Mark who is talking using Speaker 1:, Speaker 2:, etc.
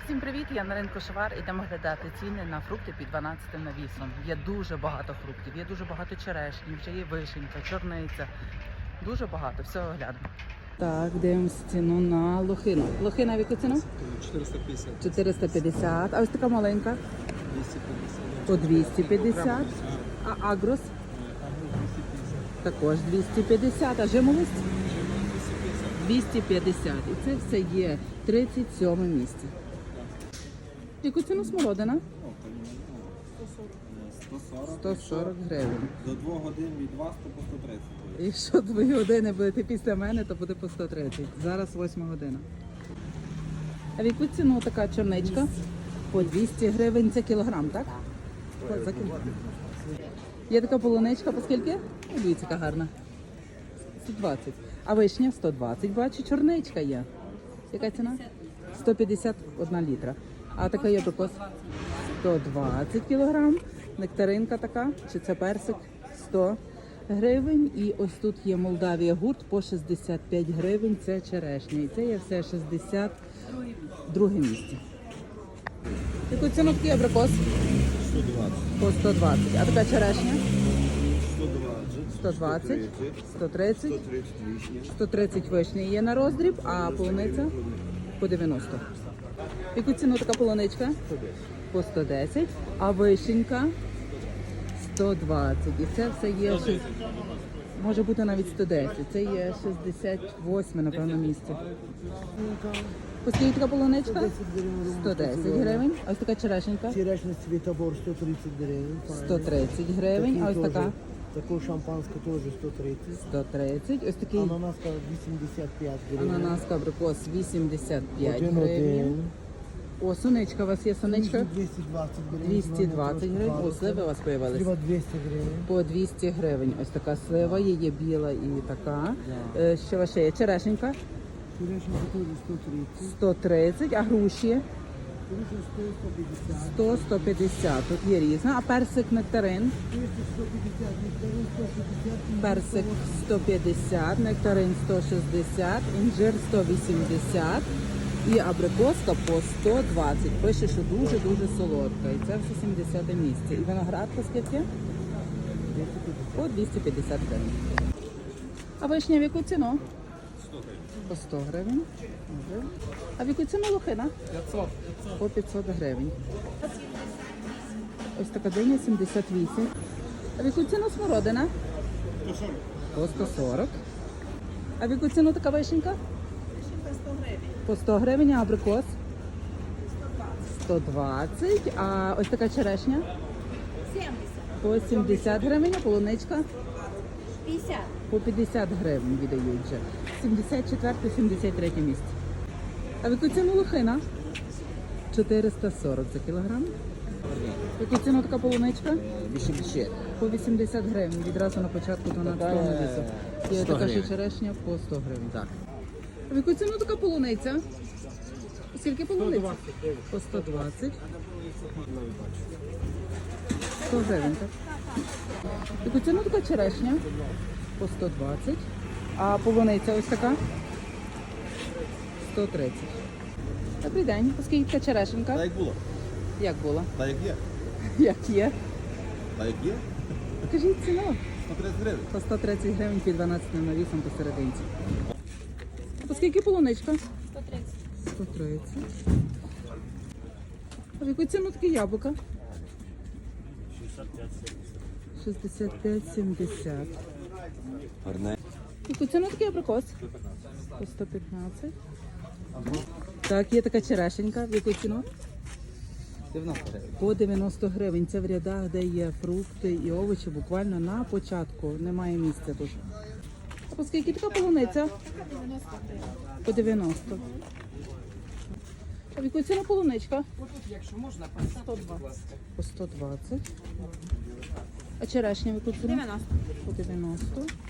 Speaker 1: Всім привіт! Я на ринку Шовар. Ідемо глядати ціни на фрукти під 12 навісом. Є дуже багато фруктів, є дуже багато черешні, вже є вишенька, чорниця. Дуже багато, всього глянемо. Так, дивимося ціну на лохину. Лохина в яку ціну?
Speaker 2: 450.
Speaker 1: 450. А ось така маленька?
Speaker 2: 250.
Speaker 1: По 250. А агрос? Також 250. А жимолость? 250. І це все є 37 місце. Яку ціну смородина? 140 гривень.
Speaker 2: До 2 годин від вас то по 130.
Speaker 1: Якщо 2 години будете після мене, то буде по 130. Зараз 8 година. А в яку ціну така чорничка? По 200 гривень за кілограм, так? За кілограм. Є така полуничка, по скільки? Дивіться, яка гарна. 120. А вишня 120. Бачу, чорничка є. Яка ціна? 151 літра. А така є абрикос? 120 кілограм. Нектаринка така, чи це персик? 100 гривень. І ось тут є Молдавія гурт по 65 гривень. Це черешня. І це є все 62 місце. Яку ціну такий абрикос?
Speaker 2: 120.
Speaker 1: По 120. А така черешня?
Speaker 2: 120.
Speaker 1: 120, 130,
Speaker 2: 130 вишня.
Speaker 1: 130 вишні є на роздріб, а полуниця по 90. Яку ціну така полуничка? По 110, а вишенька 120. І це все є, може бути навіть 110. Це є 68, напевно, місце. По скільки така полуничка? 110 гривень. А ось така черешенька?
Speaker 3: Черешня Світобор 130 гривень.
Speaker 1: 130 гривень. А ось така?
Speaker 3: Таку шампанську теж 130.
Speaker 1: 130. Ось такий
Speaker 3: Ананаска 85 гривень.
Speaker 1: ананаска абрикос 85
Speaker 3: Один.
Speaker 1: гривень. О, сонечка, у вас є сонечка?
Speaker 3: 220 гривень.
Speaker 1: 220 гривень. О, сливи у вас появились.
Speaker 3: Слива 200 гривень.
Speaker 1: По 200 гривень. Ось така слива, є біла і така. Що ще є? Черешенька
Speaker 3: Черешня теж 130.
Speaker 1: 130, а груші
Speaker 3: Черешня 150.
Speaker 1: 100, 150. Тут є різна. А персик нектарин?
Speaker 3: 150, нектарин 150.
Speaker 1: Персик 150, нектарин 160, інжир 180 і абрикоска по 120. Пише, що дуже-дуже солодка. І це все 70 місце. І виноград по скільки? По 250 гривень. А вишня в яку ціну?
Speaker 2: 100 гривень.
Speaker 1: По 100 гривень. Добре. А в яку ціну лохина?
Speaker 2: 500.
Speaker 1: По 500 гривень. Ось така диня 78. А в яку ціну смородина?
Speaker 2: 140.
Speaker 1: По 140. А в яку ціну така вишенька?
Speaker 4: Вишенька 100 гривень.
Speaker 1: По 100 гривень, а абрикос? 120. А ось така черешня?
Speaker 4: 70.
Speaker 1: По 70 гривень, а полуничка?
Speaker 4: 50.
Speaker 1: По 50 гривень віддають вже. 74-73 місце. А в яку ціну лохина? 440 за кілограм. В яку ціну така полуничка?
Speaker 2: 80.
Speaker 1: По 80 гривень. Відразу на початку 12 навісу. Є
Speaker 2: 100
Speaker 1: така ще
Speaker 2: гривень.
Speaker 1: черешня по 100 гривень.
Speaker 2: Так.
Speaker 1: А в яку ціну така полуниця? Скільки полуниця? По 120. 100 гривень, так? В яку ціну така черешня? По 120. А полуниця ось така? 130. Добрий день. Оскільки така черешенка?
Speaker 2: Та як було?
Speaker 1: Як було?
Speaker 2: Та як є?
Speaker 1: Як є?
Speaker 2: Та як є?
Speaker 1: Покажіть ціну.
Speaker 2: 130 гривень.
Speaker 1: По 130 гривень під 12 навісом посерединці. А по скільки полуничка?
Speaker 4: 130.
Speaker 1: 130. А в яку ціну таке яблука? 65-70.
Speaker 2: Гарне.
Speaker 1: В яку ціну такий абрикос? По 115. Так, є така черешенька. В яку ціну?
Speaker 2: 90 гривень.
Speaker 1: По 90 гривень. Це в рядах, де є фрукти і овочі, буквально на початку. Немає місця тут. А по скільки така полуниця?
Speaker 4: 90 гривень.
Speaker 1: По 90. А в яку ціну полуничка?
Speaker 4: По 120.
Speaker 1: По 120. А черешня в яку ціну?
Speaker 4: 90.
Speaker 1: По 90.